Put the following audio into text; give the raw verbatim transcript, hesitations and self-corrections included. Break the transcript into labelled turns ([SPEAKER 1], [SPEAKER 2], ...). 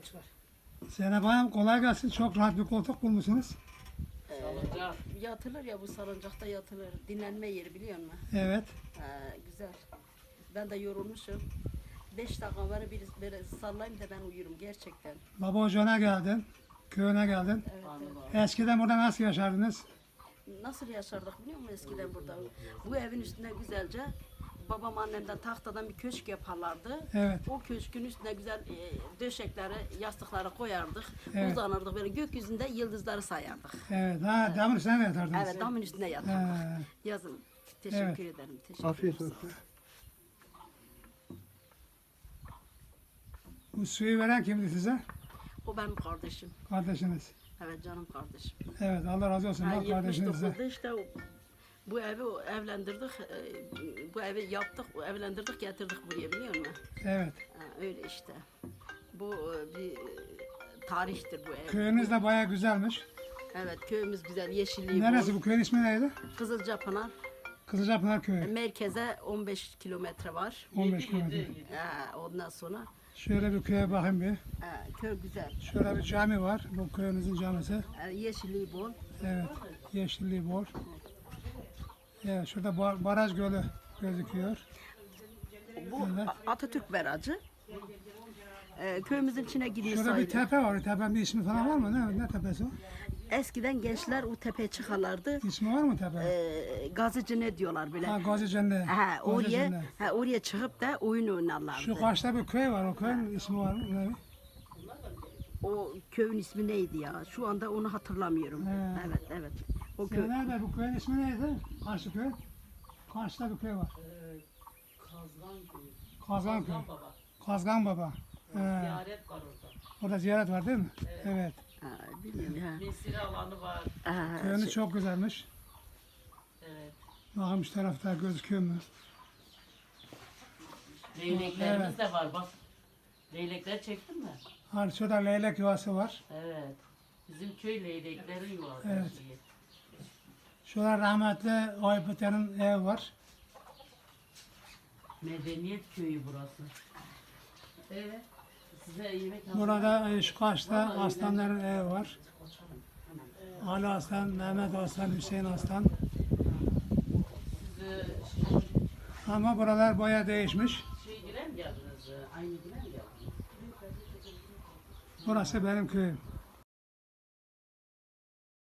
[SPEAKER 1] Zeynep Hanım kolay gelsin. Çok rahat bir koltuk bulmuşsunuz.
[SPEAKER 2] Salıncak. Yatılır ya, bu salıncakta yatılır. Dinlenme yeri biliyor musun?
[SPEAKER 1] Evet.
[SPEAKER 2] Ha, güzel. Ben de yorulmuşum. Beş dakika bana bir böyle sallayayım da ben uyurum gerçekten.
[SPEAKER 1] Baba ocağına geldin. Köyüne geldin.
[SPEAKER 2] Evet, evet.
[SPEAKER 1] Eskiden burada nasıl yaşardınız?
[SPEAKER 2] Nasıl yaşardık biliyor musun eskiden burada? Bu evin üstüne güzelce babam annemden tahtadan bir köşk yaparlardı.
[SPEAKER 1] Evet.
[SPEAKER 2] O köşkün üstüne güzel e, döşekleri, yastıkları koyardık.
[SPEAKER 1] Evet.
[SPEAKER 2] Uzanırdık böyle gökyüzünde yıldızları sayardık.
[SPEAKER 1] Evet. Ha, demir üstüne mi yatardınız?
[SPEAKER 2] Evet, damın üstüne yatardık.
[SPEAKER 1] He.
[SPEAKER 2] Yazın. Teşekkür
[SPEAKER 1] Evet.
[SPEAKER 2] ederim. Teşekkür
[SPEAKER 1] Afiyet
[SPEAKER 2] ederim.
[SPEAKER 1] olsun. Bu suyu veren kimdi size?
[SPEAKER 2] O benim kardeşim.
[SPEAKER 1] Kardeşiniz.
[SPEAKER 2] Evet, canım kardeşim.
[SPEAKER 1] Evet. Allah razı olsun.
[SPEAKER 2] Ha,
[SPEAKER 1] Bak kardeşinize.
[SPEAKER 2] yetmiş dokuzda işte o- bu evi o- evlendirdik, e, bu evi yaptık, o evlendirdik, getirdik buraya biliyor musun?
[SPEAKER 1] Evet.
[SPEAKER 2] Ha, öyle işte. Bu e, bir e, tarihtir bu ev.
[SPEAKER 1] Köyünüz de bayağı güzelmiş.
[SPEAKER 2] Evet, köyümüz güzel, yeşilliği
[SPEAKER 1] Neresi
[SPEAKER 2] bol.
[SPEAKER 1] bu köyün ismi neydi?
[SPEAKER 2] Kızılcapınar.
[SPEAKER 1] Kızılcapınar Köyü.
[SPEAKER 2] Merkeze on beş kilometre var.
[SPEAKER 1] on beş kilometre.
[SPEAKER 2] Ha, ondan sonra
[SPEAKER 1] Şöyle bir köye bakayım bir.
[SPEAKER 2] ha, köy güzel.
[SPEAKER 1] Şöyle bir cami var. Bu köyümüzün camisi.
[SPEAKER 2] Ha, yeşilliği bol.
[SPEAKER 1] Evet. Yeşilliği bol. Evet. Şurada bar- baraj gölü gözüküyor.
[SPEAKER 2] Bu A- Atatürk Barajı. Ee, köyümüzün içine giriyor
[SPEAKER 1] Şurada bir
[SPEAKER 2] sayılır.
[SPEAKER 1] tepe var. O tepenin bir ismi falan var mı? Ne, ne tepesi o?
[SPEAKER 2] Eskiden gençler o tepeye çıkarlardı.
[SPEAKER 1] İsmi var mı tepe?
[SPEAKER 2] Ee, gazıcı ne diyorlar böyle.
[SPEAKER 1] Ha, Gazi Cennet.
[SPEAKER 2] Ha,
[SPEAKER 1] Gazi
[SPEAKER 2] oraya,
[SPEAKER 1] Cennet.
[SPEAKER 2] ha, oraya çıkıp da oyun oynarlardı.
[SPEAKER 1] Şu karşıda bir köy var. O köyün ismi var mı? Ne?
[SPEAKER 2] O köyün ismi neydi ya? Şu anda onu hatırlamıyorum.
[SPEAKER 1] He.
[SPEAKER 2] Evet, evet. O köy.
[SPEAKER 1] Sen nerede? Bu köyün ismi neydi? Karşı köy. Karşıda bir köy var. Kazgan köy.
[SPEAKER 3] Baba.
[SPEAKER 1] Kazgan Baba. He.
[SPEAKER 3] Ziyaret var orada.
[SPEAKER 1] Orada ziyaret var değil mi? Evet.
[SPEAKER 2] Ha, bilmiyorum ya.
[SPEAKER 3] Mesire alanı var.
[SPEAKER 2] Ha,
[SPEAKER 1] Köyünüz
[SPEAKER 2] şey-
[SPEAKER 1] çok güzelmiş.
[SPEAKER 3] Evet.
[SPEAKER 1] Bakın şu tarafta gözüküyor mu?
[SPEAKER 3] Leyleklerimiz
[SPEAKER 1] Evet.
[SPEAKER 3] de var bak. Leylekler çektin mi?
[SPEAKER 1] Hani şurada leylek yuvası var.
[SPEAKER 3] Evet. Bizim köy leyleklerin yuvası.
[SPEAKER 1] Evet.
[SPEAKER 3] şeyi.
[SPEAKER 1] Şurada rahmetli Aybüte'nin evi var.
[SPEAKER 3] Medeniyet köyü burası. Evet. Size yemek hazır.
[SPEAKER 1] Burada e, şu karşıda aslanların evi var. Ali Aslan, Mehmet Aslan, Hüseyin Aslan.
[SPEAKER 3] Siz e, şey,
[SPEAKER 1] Ama buralar bayağı değişmiş.
[SPEAKER 3] şey giren mi geldiniz? e, Aynı giren mi geldiniz?
[SPEAKER 1] Burası benim köyüm.